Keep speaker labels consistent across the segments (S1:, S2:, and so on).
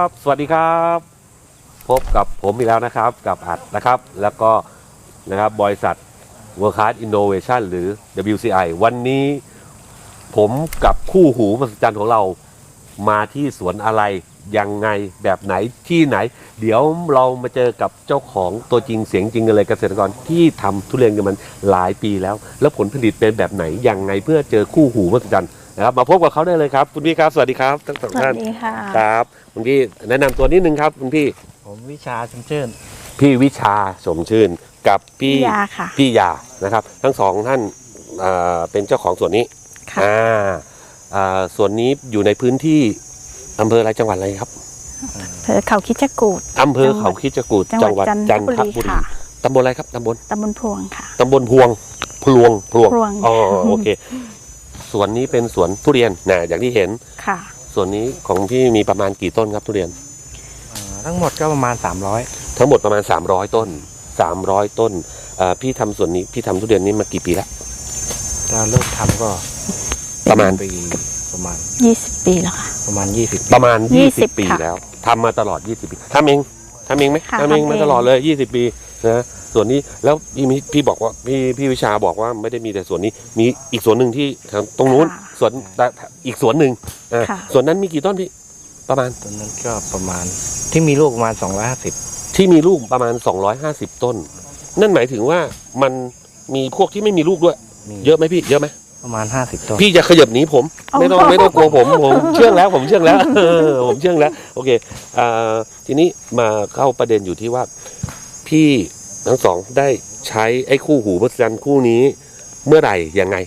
S1: บสวัสดีครับพบกับผมอีกแล้วนะครับกับอัดนะครับแล้วก็นะครับบริษัท World Class Innovation หรือ WCI วันนี้ผมกับคู่หูมหัศจรรย์ของเรามาที่สวนอะไรยังไงแบบไหนที่ไหนเดี๋ยวเรามาเจอกับเจ้าของตัวจริงเสียงจริงกันเลยเกษตรกรที่ทำทุเรียนกันมันหลายปีแล้วผลผลิตเป็นแบบไหนยังไงเพื่อเจอคู่หูมหัศจรรย์นะครับมาพบกับเขาได้เลยครับคุณพี่ครับสวัสดีครับทั้งสองท่าน
S2: สวัสดีค่ะ
S1: ครับคุณพี่แนะนำตัวนิดนึงครับคุณพี่
S3: ผมวิชาชมชื่น
S1: พี่วิชาสมชื่นกับพี่
S2: ยาค่ะ
S1: พี่ยานะครับทั้งสองท่านเป็นเจ้าของสวนนี้
S2: ค่ะ
S1: สวนนี้อยู่ในพื้นที่อำเภออะไรจังหวัดอะไรครับ
S2: อำเภอเขาคิดจกูฏ
S1: อำเภอเขาคิดจกูฏ
S2: จังหวัดจั
S1: จั
S2: น
S1: น
S2: ท
S1: ท
S2: บุ
S1: บุ
S2: รี
S1: รี
S2: ค่ะ
S1: ตำบลอะไรครับตำบล
S2: ตำบลพวงค่ะ
S1: ตำบลพวงพลวง
S2: พวง
S1: อ๋อโอเคสวนนี้เป็นสวนทุเรียนนะอย่างที่เห็น
S2: ค่ะ
S1: สวนนี้ของพี่มีประมาณกี่ต้นครับทุเรียน
S3: ทั้งหมดก็ประมาณ
S1: ทั้งหมดประมาณ300ต้น300ต้นพี่ทำสวนนี้พี่ทำทุเรียนนี้มากี่ปีแล้ว
S3: 300เราเริ่มทำก็
S1: ประมาณ
S3: ปีประมาณ
S2: 20 ปีแล้วค่ะ
S3: ประมาณ20 ปี
S1: ประมาณ
S2: 20
S1: 20 ปี
S2: ค่ะ
S1: แล้วทำมาตลอด20ปีทำเองไหม
S2: ค่ะ
S1: ทำเอง
S2: ทำเอง
S1: มาตลอดเลย20 ปีนะส่วนนี้แล้วพี่บอกว่าพี่วิชาบอกว่าไม่ได้มีแต่ส่วนนี้มีอีกส่วนหนึ่งที่ตรงนู้นส่วนอีกส่วนหนึ่ง
S2: ค่ะ
S1: ส่วนนั้นมีกี่ต้นพี่ประมาณ
S3: ตอนนั้นก็ประมาณที่มีลูกประมาณ250
S1: ที่มีลูกประมาณ250ต้น นั่นหมายถึงว่ามันมีพวกที่ไม่มีลูกด้วย เยอะไหมพี่เยอะไหม
S3: ประมาณ50ต้น
S1: พี่จะขยับหนีผมไม่ต้องกลัวผมเชื่องแล้วผมเชื่องแล้วผมเชื่องแล้วโอเคทีนี้มาเข้าประเด็นอยู่ที่ว่าพี่ทั้งสองได้ใช้ไอ้คู่หูมหัศจรรย์คู่นี้เมื่อไหร่ยังไง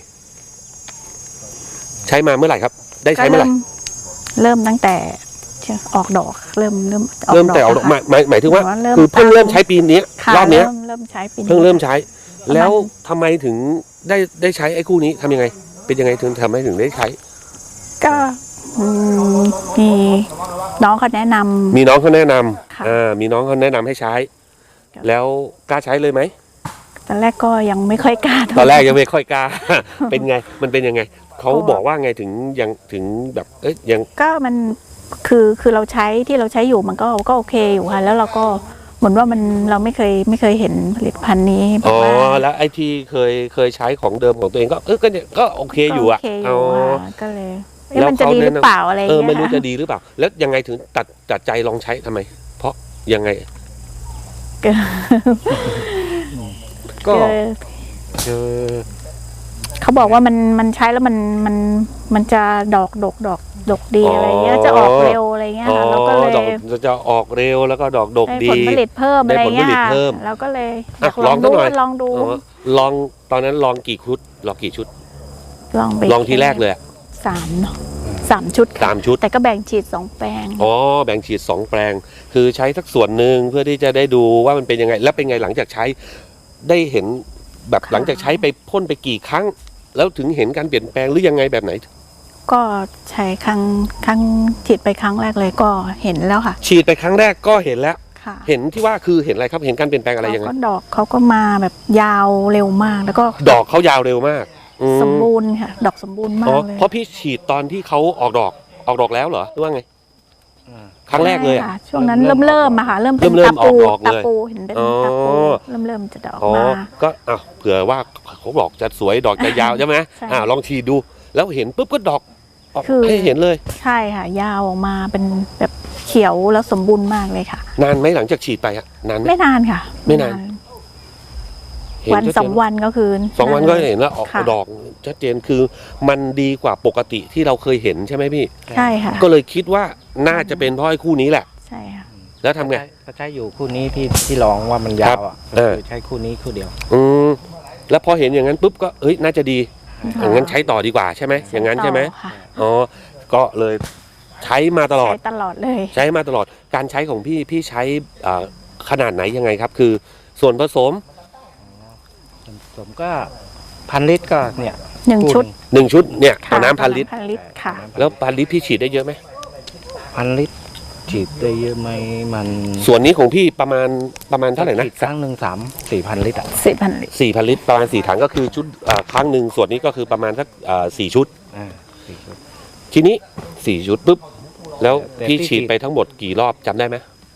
S1: ใช้มาเมื่อไหร่ครับ ได้
S2: ก็
S1: ใช้เมื่อไหร่
S2: เริ่มตั้งแต่ออกดอกเริ่ม
S1: เริ่มแต่ออกดอก
S2: ค่ะ
S1: หมายถึงว่า
S2: เริ่ม
S1: คือเพิ่งเริ่มใช้ปีนี้
S2: ค่ะ
S1: รอบเนี้ย
S2: เริ่มใช้ปีนี้
S1: เพิ่งเริ่มใช้
S2: ประมาณ
S1: แล้วทำไมถึงได้ใช้ไอ้คู่นี้ทำยังไง เป็นยังไงถึงทำให้ถึงได้ใช้
S2: ก็มีน้องเขาแนะนำ
S1: มีน้องเขาแนะน
S2: ค่ะ
S1: ำมีน้องเขาแนะนำให้ใช้
S2: ค่ะ
S1: แล้วกล้าใช้เลยไหม
S2: ตอนแรกก็ยังไม่ค่อยกล้า
S1: ตอนแรกยังไม่ค่อยกล้า เป็นไง มันเป็นยังไง เขาบอกว่าไงถึงแบบ ยัง
S2: ก็มันคือเราใช้ที่เราใช้อยู่มันก็โอเคอยู่ค่ะแล้วเราก็เหมือนว่าเราไม่เคยเห็นผลิตภัณฑ์นี้แบ
S1: อ๋
S2: บ
S1: อ
S2: ว่า
S1: แล้วไอ้ที่เคยใช้ของเดิมของตัวเองก็โอเคอยู่อ่ะ
S2: โอเคอ
S1: อ๋
S2: ยู่
S1: อ
S2: ค่ะก็เลย
S1: แล้ว
S2: มันจะดีหรือเปล่าอะไรอย่าง
S1: ไม่
S2: เงี้ย
S1: รู้
S2: ค่ะ
S1: จะดีหรือเปล่า แล้วยังไงถึงตัดใจลองใช้ทำไม เพราะยังไง
S3: ก็
S2: คือ
S3: คือ
S2: เขาบอกว่ามันใช้แล้วมันจะดอกดีอะไรเงี้ยจะออกเร็วอะไรเงี้ย
S1: อ๋อ
S2: ค่ะแล้วก็เลย
S1: ดอกจะออกเร็วแล้วก็ดอกดก
S2: ได้
S1: ดี
S2: ผลผลิตเพิ่มอะไรเงี้ย
S1: ได้ผลผลิต
S2: ค่ะ
S1: เพิ่ม
S2: แล้วก็เลยอ
S1: อ่ะ
S2: ยากลอง
S1: ลองสั
S2: ดู
S1: กหน่อย
S2: ลองดู
S1: อ๋อลองตอนนั้นลองกี่ชุดลองกี่ชุด
S2: ลองไป
S1: ลองทีแรกเลยอะ
S2: 3 เนาะ3 ชุดค่ะ
S1: 3 ชุด
S2: แต่ก็แบ่งฉีด2 แปลง
S1: อ๋อแบ่งฉีด2 แปลง คือใช้สักส่วนหนึ่งเพื่อที่จะได้ดูว่ามันเป็นยังไง แล้วเป็นไงหลังจากใช้ได้เห็นแบบ
S2: ค่ะ
S1: หลังจากใช้ไปพ่นไปกี่ครั้ง แล้วถึงเห็นการเปลี่ยนแปลงหรือยังไงแบบไหน
S2: ก็ใช้ครั้งฉีดไปครั้งแรกเลยก็เห็นแล้วค่ะ
S1: ฉีดไปครั้งแรกก็เห็นแล้ว
S2: ค่ะ
S1: เห็นที่ว่าคือเห็นอะไรครับเห็นการเปลี่ยนแปลงอะไรยังไง
S2: ก็ดอกเขาก็มาแบบยาวเร็วมาก แล้วก็
S1: ดอกเขายาวเร็วมากอืม
S2: สมบูรณ์ค่ะ ดอกสมบูรณ์มา
S1: อ๋อก
S2: เลย
S1: เพราะพี่ฉีดตอนที่เขาออกดอกแล้วเหรอหรือว่าไง
S3: อ่า
S1: ครั้งแรกเลยอะ
S2: ใช่ค่ะช่วงนั้นเริ่มอะค่ะเริ่มเป็น
S1: เริ่ม
S2: ตาปู
S1: ออกดอกเลย
S2: ตาปูเห็นเป็น
S1: อ๋อ
S2: ตาปูเริ่มจะดอก
S1: อ๋อ
S2: มา
S1: ก็เผื่อว่าเขาบอกจะสวยดอกจะยาวใช่ไหม
S2: ใช่
S1: ลองฉีดดู แล้วเห็นปุ๊บก็ดอกออก
S2: คือ
S1: ให้เห็นเลย
S2: ใช่ค่ะ ยาวออกมาเป็นแบบเขียวแล้วสมบูรณ์มากเลยค่ะ
S1: นานไหมหลังจากฉีดไปอะนานไหม
S2: ไม่นานค่ะ
S1: ไม่นาน เห็
S2: วัน
S1: ชัดเจ
S2: 2 วันก็คือ
S1: 2 วันก็เห็นแล้วออก
S2: ค่ะ
S1: ดอกชัดเจนคือมันดีกว่าปกติที่เราเคยเห็นใช่ไหมพี่
S2: ใช่ค่ะ
S1: ก็เลยคิดว่าน่าจะเป็นเพราะไอ้คู่นี้แหละ
S2: ใช่ค่ะ
S1: แล้วทำไง
S3: ก็ใช้อยู่คู่นี้ที่ลองว่ามันยาวอ่ะ
S1: เออ
S3: คือใช้คู่นี้คู่เดียว
S1: อืมแล้วพอเห็นอย่างนั้นปุ๊บก็น่าจะดีอย่างนั้นใช้ต่อดีกว่าใช่ไหมอย่างนั้นใช่ไหม
S2: ต่อค่ะ
S1: อ๋อก็เลยใช้มาตลอด
S2: ใช้ตลอดเลย
S1: ใช้มาตลอดการใช้ของพี่ใช้ขนาดไหนยังไงครับ คือส่วนผสม
S3: ผมก็1,000 ลิตรก็เนี่ย
S2: 1 ชุด
S1: 1 ชุดเนี่ย
S2: ค่ะ
S1: น้ำ1,000 ลิตร
S2: 1,000 ลิตรค่ะ
S1: แล้ว1,000 ลิตรพี่ฉีดได้เยอะไหม
S3: 1,000 ลิตรฉีดได้เยอะไหมมัน
S1: ส่วนนี้ของพี่ประมาณเท่าไหร่นะ
S3: ฉีดครั้งหนึ่ง4,000 ลิตรอ่ะ
S2: 4,000 ลิตร
S1: 4,000 ลิตรประมาณ4 ถังก็คือชุดครั้งหนึ่งส่วนนี้ก็คือประมาณสัก4 ชุด
S3: 4 ชุด
S1: ทีนี้4 ชุดปุ๊บแล้ว
S3: แต่
S1: พี่
S3: ที่
S1: ฉีดไปทั้งหมดกี่รอบจำได้ไหม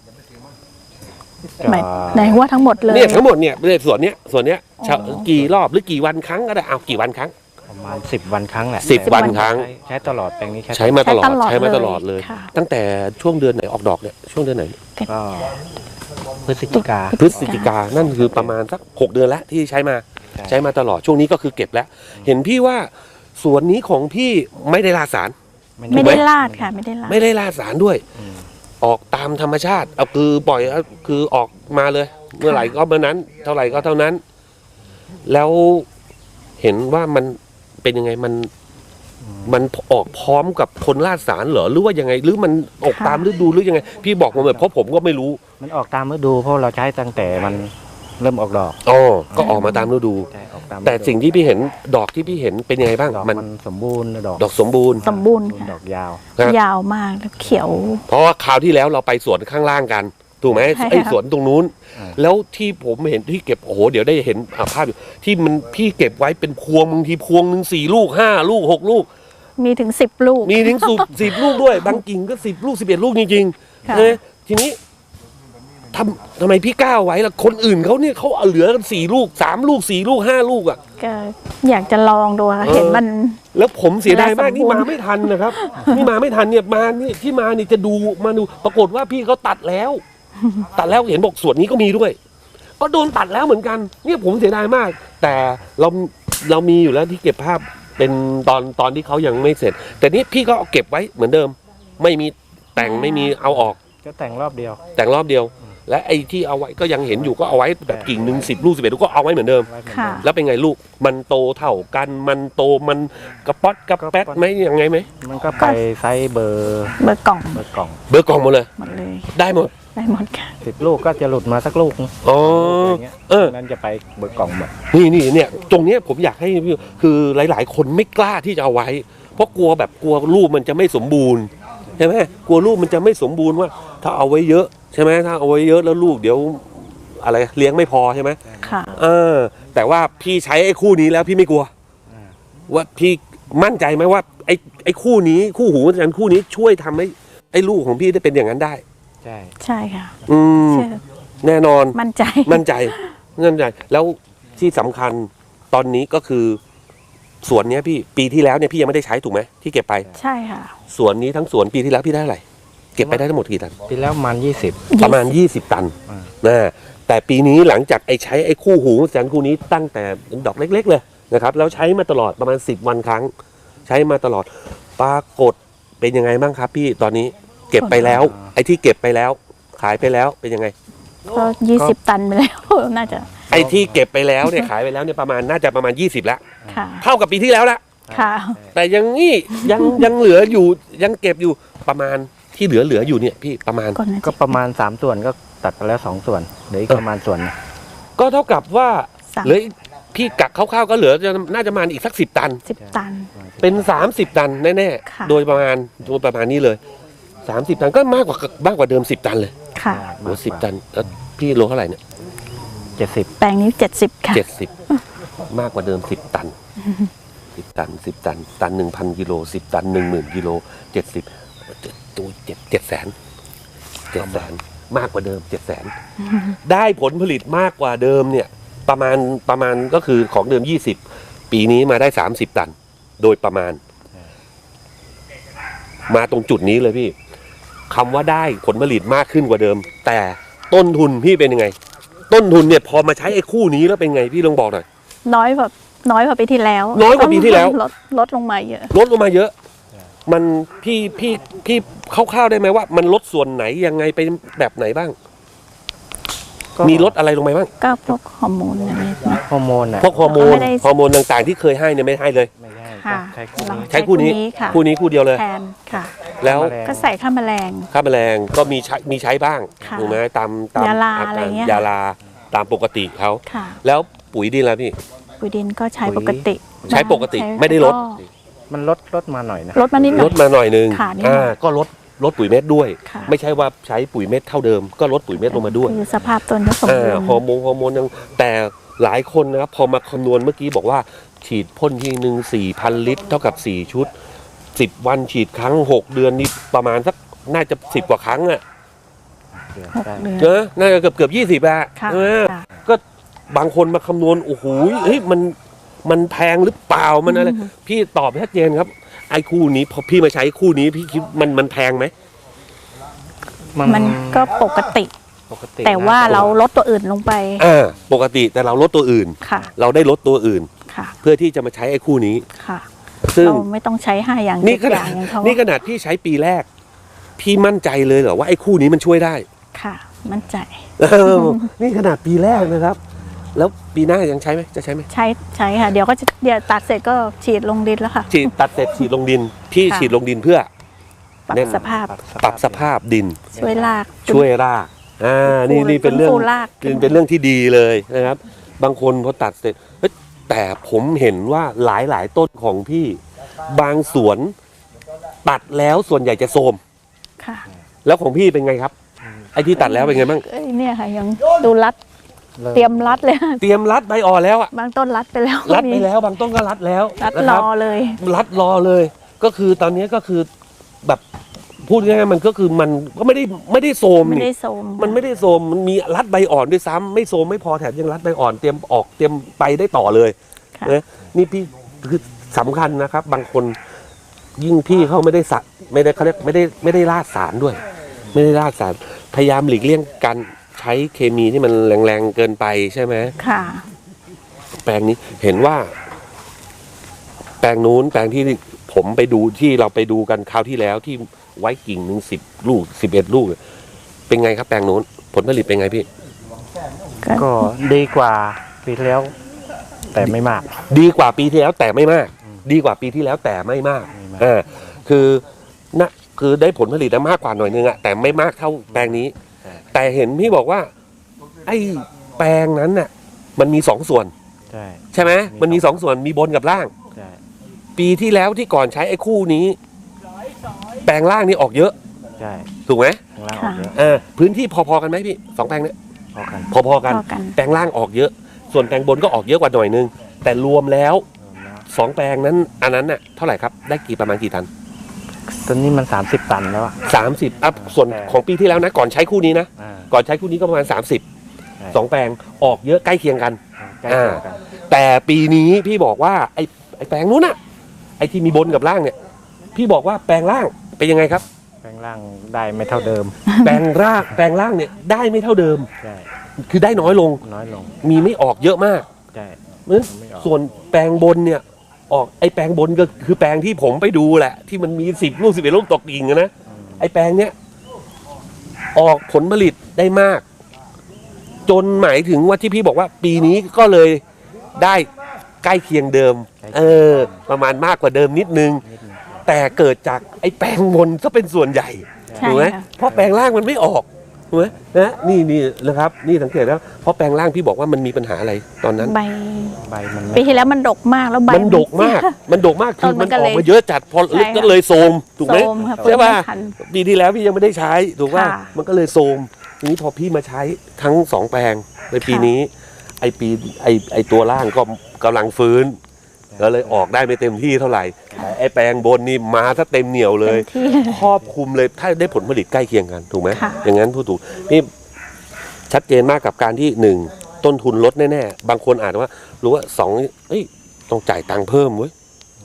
S2: หมายในว่าทั้งหมดเลย
S1: เนี่ยทั้งหมดเนี่ยส่วนเนี้ย
S2: อ๋อ
S1: กี่รอบหรือกี่วันครั้งก็ได้เอากี่วันครั้ง
S3: ประมาณ10 วันครั้งแหละ
S1: 10 วันครั้ง
S3: ใช้ตลอดแปลงนี้
S1: ใช้มาตลอด
S2: ใช้
S1: ใช้มา
S2: ต
S1: ต
S2: ล
S1: ล
S2: อ
S1: อ
S2: ด
S1: ด
S2: เล
S1: เลย ย
S2: ค่ะ
S1: ตั้งแต่ช่วงเดือนไหนออกดอกเนี่ยช่วงเดือนไหน
S3: ก็พฤศจิกา
S1: พฤศจิกานั่นคือประมาณสัก6 เดือนแล้วที่ใช้มา ใช้มาตลอดช่วงนี้ก็คือเก็บแล้ว เห็นพี่ว่าสวนนี้ของพี่ไม่ได้ราดสาร
S2: ไม่ได้ลาดค่ะ ไม่ได้ลาด
S1: ไม่ได้ราดสารด้วย
S3: อืม
S1: ออกตามธรรมชาติเอาคือปล่อยเอาคือออกมาเลย เมื่อไหร่ก็เมื่อนั้น เท่าไหร่ก็เท่านั้น แล้วเห็นว่ามันเป็นยังไงมันออกพร้อมกับคนราดสารเหรอหรือว่ายังไง หรือมันออกตามฤดูหรือยังไง พี่บอกมาแบบเพราะผมก็ไม่รู้
S3: มันออกตามฤดูเพราะเราใช้ตั้งแต่มันเริ่มออกดอก
S1: อ๋อก็ออกมาตามฤดู
S3: ใช่ออกตามฤดู
S1: แต่สิ่งที่พี่เห็นดอกที่พี่เห็นเป็นยังไงบ้าง
S3: ดอก
S1: มัน
S3: มันสมบูรณ์ดอก
S1: ดอกสมบูรณ์
S2: สมบูรณ์ค่ะ
S3: ดอกยาว
S1: ครับ
S2: ยาวมากแล้วเขียว
S1: เพราะว่าคราวที่แล้วเราไปสวนข้างล่างกันถูกไหม
S2: ใช่ค่ะ
S1: ไอ้สวนตรงนู้น
S3: อ่า
S1: แล้วที่ผมเห็นที่เก็บโอ้โหเดี๋ยวได้เห็นภาพอยู่ที่มันพี่เก็บไว้เป็นพวงบางทีพวงหนึ่ง4 ลูก 5 ลูก 6 ลูก
S2: มีถึง10 ลูก
S1: มีถึง10 ลูกด้วย บางกิ่งก็10 ลูก 11 ลูกจริงๆ
S2: ค่ะ
S1: เลยทีนี้ทำไมพี่กล้าไว้ล่ะคนอื่นเขาเนี่ยเขาเอาเหลือกัน4 ลูก 3 ลูก 4 ลูก 5 ลูกอ่ะ
S2: ก็อยากจะลองดูค่ะ
S1: เออ
S2: เห็นมัน
S1: แล้วผมเสียดายมาก
S2: เวลาสมบูรณ์
S1: นี่มาไม่ทันนะครับ นี่มาไม่ทันเนี่ยมานี่ที่มานี่จะดูมาดูปรากฏว่าพี่เขาตัดแล้ว ตัดแล้วเห็นบอกส่วนนี้ก็มีด้วย ก็โดนตัดแล้วเหมือนกัน เนี่ยผมเสียดายมาก แต่เรามีอยู่แล้วที่เก็บภาพเป็นตอนที่เขายังไม่เสร็จ แต่นี่พี่ก็เอาเก็บไว้เหมือนเดิม ไม่มีแต่งไม่มีเอาออก
S3: ก็แต่งรอบเดียว
S1: แต่งรอบเดียว และไอ้ที่เอาไว้ก็ยังเห็นอยู่ก็เอาไว้แบบกิ่งหนึ่ง10 ลูก 11 ลูกก็เอาไว้เหมือนเดิม
S3: ไว้เหมือน
S2: ค่ะ
S3: เดิม
S1: แล้วเป็นไงลูกมันโตเท่ากันมันโตมันกระป๊อดกระแป๊ดไหมยังไงไหม
S3: มันก็ไปไซส์เบอร์
S2: เบอร์กล่อง
S3: เบอร์กล่อง
S1: เบอร์กล่องหมดเลย
S2: หมดเลย
S1: ได้หมด
S2: ได้หมดค่ะ
S3: 10 ลูกก็จะหลุดมาสักลูกนึง
S1: อ๋อ
S3: อย่างเงี้ย
S1: เออ
S3: นั้นจะไปเบอร์กล่องหมด
S1: นี่เนี่ยตรงเนี้ยผมอยากให้พี่คือหลาย ๆ คนไม่กล้าที่จะเอาไว้ เพราะกลัวรูปมันจะไม่สมบูรณ์ใช่ไหมกลัวรูปมันจะไม่สมบูรณ์ว่า ถ้าเอาไว้เยอะใช่ไหมถ้าเอาไว้เยอะแล้วลูกเดี๋ยวอะไรเลี้ยงไม่พอใช่ไหม
S2: ค่ะ
S1: แต่ว่าพี่ใช้ไอ้คู่นี้แล้วพี่ไม่กลัว
S3: อ่า
S1: ว่าพี่มั่นใจไหมว่าไอ้คู่นี้คู่หูจันคู่นี้ช่วยทำให้ไอ้ลูกของพี่ได้เป็นอย่างนั้นได้
S3: ใช่
S2: ใช่ค่ะ
S1: อืม
S2: เชื่อ
S1: แน่นอน
S2: มั่นใจ
S1: มั่นใจแล้วที่สำคัญตอนนี้ก็คือสวนเนี้ยพี่ปีที่แล้วเนี่ยพี่ยังไม่ได้ใช้ถูกไหมที่เก็บไป
S2: ใช่ค่ะ
S1: สวนนี้ทั้งสวนปีที่แล้วพี่ได้เท่าไหร่เก็บไปได้ทั้งหมดกี่ตัน
S3: ปีแล้วมัน20
S1: ประมาณ20 ตัน
S3: อ่า
S1: นะแต่ปีนี้หลังจากใช้ไอ้คู่หูจันคู่นี้ตั้งแต่ดอกเล็ก ๆ เลยนะครับแล้วใช้มาตลอดประมาณ10 วันครั้ง ใช้มาตลอดปรากฏเป็นยังไงบ้างครับพี่ตอนนี้เก็บไปแล้ว ไอ้ที่เก็บไปแล้ว ขายไปแล้วเป็นยังไง
S2: ก็20 ตันไปแล้ว น่าจะ
S1: ไอ้ที่เก็บไปแล้วเนี่ยขายไปแล้วเนี่ยน่าจะประมาณ20แล้ว
S2: ค่ะ
S1: เท่ากับปีที่แล้วละ
S2: ค่ะ
S1: แต่ยังนี่ยังเหลืออยู่ยังเก็บอยู่ประมาณที่เหลืออยู่เนี่ยพี่ประมาณ
S2: ก่อนนะ
S3: ก็ประมาณ3 ส่วนก็ตัดไปแล้ว2 ส่วนเหลืออีกประมาณส่วนหนึ่ง
S1: ก็เท่ากับว่า
S2: สาม
S1: เหลืออีกพี่กักคร่าวๆก็เหลือน่าจะประมาณอีกสัก10 ตัน
S2: 10 ตัน
S1: เป็น30 ตันแน่
S2: ค่ะ
S1: ๆโดยประมาณนี้เลย30 ตันก็มากกว่าเดิม10 ตันเลย
S2: ค่ะ
S1: โอ้10 ตันแล้วพี่โลเท่าไหร่เนี่ย
S3: 70
S2: แปลงนี้ 70 ค่ะ
S1: 70มากกว่าเดิม10 ตัน10 ตัน10 ตันตัน 1,000 กิโล10 ตัน 10,000 กิโล70ตัว700,000 มากกว่าเดิม 700,000 ได้ผลผลิตมากกว่าเดิมเนี่ยประมาณก็คือของเดิม20ปีนี้มาได้30 ตัน โดยประมาณ มาตรงจุดนี้เลยพี่คำว่าได้ผลผลิตมากขึ้นกว่าเดิม แต่ต้นทุนพี่เป็นยังไง ต้นทุนเนี่ยพอมาใช้ไอ้คู่นี้แล้วเป็นไงพี่ลองบอกหน่อย
S2: น้อยกว่าปีที่แล้ว
S1: น้อยกว่าปีที่แล้ว
S2: ลดลงมาเยอะ
S1: ลดลงมาเยอะ มันพี่คร่าวๆได้ไหมว่า มันลดส่วนไหนยังไงเป็นแบบไหนบ้าง
S3: ก็
S1: มีลดอะไรลงไปบ้าง
S2: ก็พวกฮอร์โมนอะไร
S3: ฮอร์โมนอ่ะ
S1: พวกฮอร์โมน
S2: ไม่ได้
S1: ต่างๆที่เคยให้เนี่ยไม่ให้เลย
S3: ไม่ได้
S2: ค่ะ
S3: ใช้คู่นี้
S1: ใช้คู่นี้
S2: ค่ะ
S1: คู่เดียวเลย
S2: แทนค่ะ
S1: แล้ว
S3: แมลง
S2: ก็ใส่ข้าวแมลง
S1: ค่าแมลงก็มีใช้บ้าง
S2: ค่ะ
S1: ถูกไหมตาม
S2: ยาลาอะไรเงี้ย
S1: ยาลาตามปกติเขา
S2: ค่ะ
S1: แล้วปุ๋ยดินแล้วพี่
S2: ปุ๋ยดินก็ใช้ปกติ
S1: ใช้ปกติไม่ได้ลด
S3: มันลดมาหน่อยนะ
S2: ลดมานิดหน่
S1: ล
S2: อย
S1: ดมาหน่อยนึง
S2: ค่ะนิดหน่อย
S1: ก็ลดปุ๋ยเม็ดด้วย
S2: ค่ะ
S1: ไม่ใช่ว่าใช้ปุ๋ยเม็ดเท่าเดิม ก็ลดปุ๋ยเม็ดลงมาด้วย
S2: คือสภาพต้นก็สมบูรณ์
S1: ฮอร์โมนยังแต่หลายคนนะครับพอมาคำนวณเมื่อกี้บอกว่า ฉีดพ่นทีนึง4,000 ลิตรเท่ากับ4 ชุด 10 วันฉีดครั้ง 6 เดือนนี่ประมาณสักน่าจะ10 กว่าครั้งอะ
S2: 6 เดือน
S1: เจอน่าจะเกือบ20อะ
S2: ค่ะ ค่ะ
S1: ก็บางคนมาคำนวณโอ้โหเฮ้ยมันแพงหรือเปล่ามันอะไรพี่ตอบชัดเจนครับไอ้คู่นี้พอพี่มาใช้คู่นี้พี่คิดมันแพงไหม
S2: มันก็ปกติ
S3: ปกติ
S2: แต่ว่าเราลดตัวอื่นลงไป
S1: ปกติแต่เราลดตัวอื่น
S2: ค่ะ
S1: เราได้ลดตัวอื่น
S2: ค่ะ
S1: เพื่อที่จะมาใช้ไอ้คู่นี้
S2: ค่ะ
S1: ซึ่ง
S2: เราไม่ต้องใช้5 อย่าง
S1: นี่
S2: 7
S1: ข
S2: อ
S1: นา
S2: ย่า
S1: ด
S2: งอย่างเขา
S1: นี่ขนาดพี่ใช้ปีแรก พี่มั่นใจเลยเหรอว่าไอ้คู่นี้มันช่วยได้
S2: ค่ะ มั่นใจ
S1: นี่ขนาดปีแรกนะครับ แล้วปีหน้ายังใช้ไหมจะใช้ไหม
S2: ใช้ค่ะ เดี๋ยวตัดเสร็จก็ฉีดลงดินแล้วค่ะ
S1: ฉีดตัดเสร็จฉีดลงดินพี่
S2: ค่ะ
S1: ฉีดลงดินเพื่อ
S2: ปรับ
S1: แน่น
S2: สภาพ
S1: ปรับสภาพดิน
S2: ช่วยราก
S1: ช่วยรากนี่เป็นเรื่อง
S2: ฟื้นฟูราก
S1: เป็นเรื่องที่ดีเลยนะครับ บางคนพอตัดเสร็จเฮ้ยแต่ผมเห็นว่าหลายต้นของพี่บางสวนตัดแล้วส่วนใหญ่จะโทรม
S2: ค่ะ
S1: แล้วของพี่เป็นไงครับ ไอ้ที่ตัดแล้วเป็นไงบ้าง
S2: เอ้ยเนี่ยค่ะ ยังดูรัด เตรียมรัดเลยค่ะ
S1: เตรียมรัดใบอ่อนแล้วอะ
S2: บางต้นรัดไปแล้ว
S1: รัดไปแล้วบางต้นก็รัดแล้ว
S2: รัด
S1: นะ
S2: ร
S1: ค
S2: อบ เลย
S1: รัดรอเลย ก็คือตอนนี้ก็คือแบบพูดง่ายๆมันก็คือมันก็ไม่ได้โทรม
S2: ไม่
S1: นี่
S2: ได้โทรม
S1: มันไม่ได้โทรมมันมีรัดใบอ่อนด้วยซ้ำไม่โทรมไม่พอแถมยังรัดใบอ่อนเตรียมไปได้ต่อเลย
S2: ค่ะ
S1: นะนี่พี่คือสำคัญนะครับ บางคนยิ่งพี่เขาไม่ได้เขาเรียกไม่ได้ราดสารด้วย ไม่ได้ราดสารพยายามหลีกเลี่ยงการใช้เคมีที่มันแรงๆเกินไปใช่ไหม
S2: ค่ะ
S1: แปลงนี้เห็นว่า แปลงนู้นแปลงที่ผมไปดูที่เราไปดูกันคราวที่แล้วที่ไว้กิ่งหนึ่ง10 ลูก11 ลูกเป็นไงครับแปลงนู้นผลผลิตเป็นไงพี่
S3: ก็ดีกว่าปีที่แล้ว แต่ไม่มาก
S1: ดีกว่าปีที่แล้วแต่ไม่มาก ดีกว่าปีที่แล้วแต่ไม่มาก
S3: ไม่มาก
S1: คือได้ผลผลิตมากกว่าหน่อยนึงอะแต่ไม่มากเท่าแปลงนี้ แต่เห็นพี่บอกว่า ไอ้แปลงนั้นน่ะมันมี2 ส่วน
S3: ใช่
S1: ใช่ไหมมันมี2 ส่วนมีบนกับล่าง
S3: ใช่
S1: ปีที่แล้วที่ก่อนใช้ไอ้คู่นี้ แปลงล่างนี่ออกเยอะ
S3: ใช่
S1: ถูกไหม
S3: ข้างล่างออกเยอะ
S1: พื้นที่พอๆกันไหมพี่2 แปลงเนี่ย
S3: พอกัน
S1: พอๆกัน
S2: พอกัน
S1: แปลงล่างออกเยอะ ส่วนแปลงบนก็ออกเยอะกว่าหน่อยนึง แต่รวมแล้ว 2 แปลงนั้นอันนั้นน่ะเท่าไหร่ครับได้ประมาณกี่ตัน
S3: ตอนนี้มัน30 ตันแล้วอะ
S1: 30อัพส่วนของปีที่แล้วนะก่อนใช้คู่นี้นะ
S3: อ่า
S1: ก่อนใช้คู่นี้ก็ประมาณ30 2 แปลงออกเยอะใกล้เคียงกัน
S3: ใกล้เคียงกัน
S1: แต่ปีนี้พี่บอกว่าไอ้แปลงนู้นน่ะไอ้ที่มีบนกับล่างเนี่ย พี่บอกว่าแปลงล่างเป็นยังไงครับ
S3: แปลงล่างได้ไม่เท่าเดิม
S1: แปลงล่างเนี่ยได้ไม่เท่าเดิม
S3: ใช่
S1: คือได้น้อยลง
S3: น้อยลง
S1: มีไม่ออกเยอะมาก
S3: ใช่
S1: เพราะฉะนั้น
S3: ไม่ออก
S1: ส่วนแปลงบนเนี่ยออกไอ้แปลงบนก็คือแปลงที่ผมไปดูแหละ ที่มันมี10 ลูก11 ลูกตกกิ่งอะนะไอ้แปลงเนี้ยออกผลผลิตได้มาก จนหมายถึงว่าที่พี่บอกว่า ปีนี้ก็เลยได้ใกล้เคียงเดิม ประมาณมากกว่าเดิมนิดนึง
S3: นิดนึง
S1: แต่เกิดจากไอ้แปลงบนซะเป็นส่วนใหญ่
S2: ใช่
S1: ถูกไหม
S2: ค่ะ
S1: เพราะแปลงล่างมันไม่ออกถูกไหมนะนี่นะครับ นี่สังเกตแล้วเพราะแปลงล่างพี่บอกว่ามันมีปัญหาอะไรตอนนั้น
S2: ใบ
S3: ใบมันไม่
S2: ปีที่แล้วมันดกมากแล้วใบ
S1: มันดกมาก มันดกมากคือ
S2: ต้นมั
S1: มัน
S2: นก็
S1: อ
S2: เล
S1: อย กมาเยอะจัดพอ
S2: ใช่ค่ะ
S1: ก็เลยโทรมถูกไหม
S2: โทรมค่ะ
S1: ใช่ป่ะ
S2: ฟื้นไม่ทัน
S1: ปีที่แล้วพี่ยังไม่ได้ใช้ถูกป่ะ
S2: ค่ะ
S1: มันก็เลยโทรมทีนี้พอพี่มาใช้ทั้ง2 แปลงในปี
S2: ค่ะ
S1: นี้ ไอตัวล่างก็กำลังฟื้นก็เลยออกได้ไม่เต็มที่เท่าไหร่แต่ไอแปลงบนนี่มาถ้าเต็มเหนียวเลย
S2: เต็มที่
S1: ครอบคลุมเลยถ้าได้ผลผลิตใกล้เคียงกันถูกไหม
S2: ค่ะ
S1: อย่างนั้นพูดถูกนี่ชัดเจนมากกับการที่1ต้นทุนลดแน่ๆบางคนอาจว่ารู้ว่า2เอ้ยต้องจ่ายตังค์เพิ่มเว้ย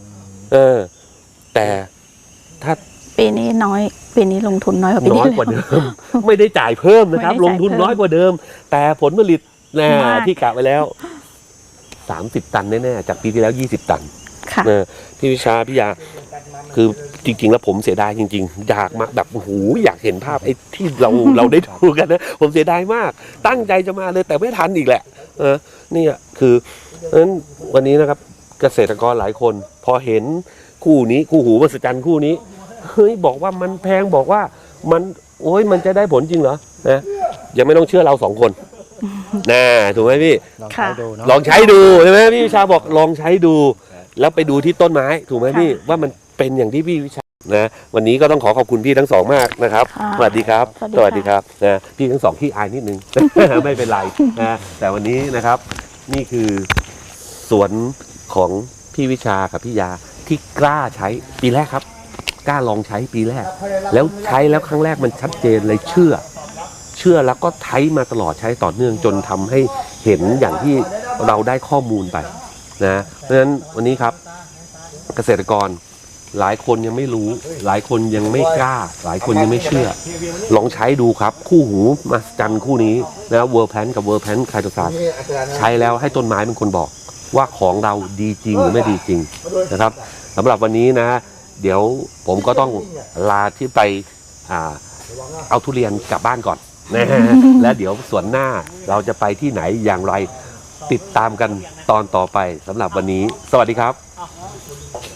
S1: แต่ถ้า
S2: ปีนี้น้อย ปีนี้ลงทุนน้อยกว่าปี
S1: น้
S2: ที่
S1: อย
S2: แล้ว
S1: กว่าเดิม ไม่ได้จ่ายเพิ่มนะครับ
S2: ไม่ได้
S1: ล
S2: จ่าย
S1: งทุน
S2: เพิ่ม
S1: น้อยกว่าเดิม แต่ผลผลิตนะ
S2: มาก
S1: ที่กะไว้แล้ว30 ตันแน่ๆจากปีที่แล้ว20 ตัน
S2: ค่ะ
S1: นะพี่วิชาพี่ยาคือจริงๆแล้วผมเสียดายจริงๆอยากมาแบบโอ้โหอยากเห็นภาพไอ้ที่เราได้ดูกันนะผมเสียดายมาก ตั้งใจจะมาเลยแต่ไม่ทันอีกแหละนี่คือเพราะฉะนั้นวันนี้นะครับเกษตรกรหลายคน พอเห็นคู่นี้คู่หูมหัศจรรย์คู่นี้เฮ้ยบอกว่ามันแพงบอกว่ามันโอ้ยมันจะได้ผลจริงเหรอนะยังไม่ต้องเชื่อเรา2 คนนะถูกไหมพี่
S3: ลองใช้ดูเนาะ
S1: ลองใช้ดูใช่ไหมพี่วิชาบอกลองใช้ดู แล้วไปดูที่ต้นไม้ถูกไหมพี่ว่ามันเป็นอย่างที่พี่วิชานะวันนี้ก็ต้องขอขอบคุณพี่ทั้ง2มากนะครับ
S2: ค่ะ
S1: สวัสดีครับ
S2: สวัสดีค่ะ
S1: ครับนะพี่ทั้ง2ที่อายนิดนึง ไม่เป็นไรนะแต่วันนี้นะครับนี่คือสวนของพี่วิชากับพี่ยาที่กล้าใช้ปีแรกครับกล้าลองใช้ปีแรก แล้วใช้แล้วครั้งแรกมันชัดเจนเลยเชื่อแล้วก็ใช้มาตลอดใช้ต่อเนื่องจนทำให้เห็นอย่างที่เราได้ข้อมูลไปนะเพราะฉะนั้นวันนี้ครับเกษตรกรหลายคนยังไม่รู้หลายคนยังไม่กล้าหลายคนยังไม่เชื่อลองใช้ดูครับคู่หูมหัศจรรย์คู่นี้นะเวอร์แพนกับเวอร์แพนไคโตซานใช้แล้วให้ต้นไม้เป็นคนบอกว่าของเราดีจริงหรือไม่ดีจริงนะครับสำหรับวันนี้นะเดี๋ยวผมก็ต้องลาที่ไปเอาทุเรียนกลับบ้านก่อนนะฮะ และเดี๋ยวส่วนหน้าเราจะไปที่ไหนอย่างไรติดตามกันตอนต่อไปสำหรับวันนี้สวัสดีครับ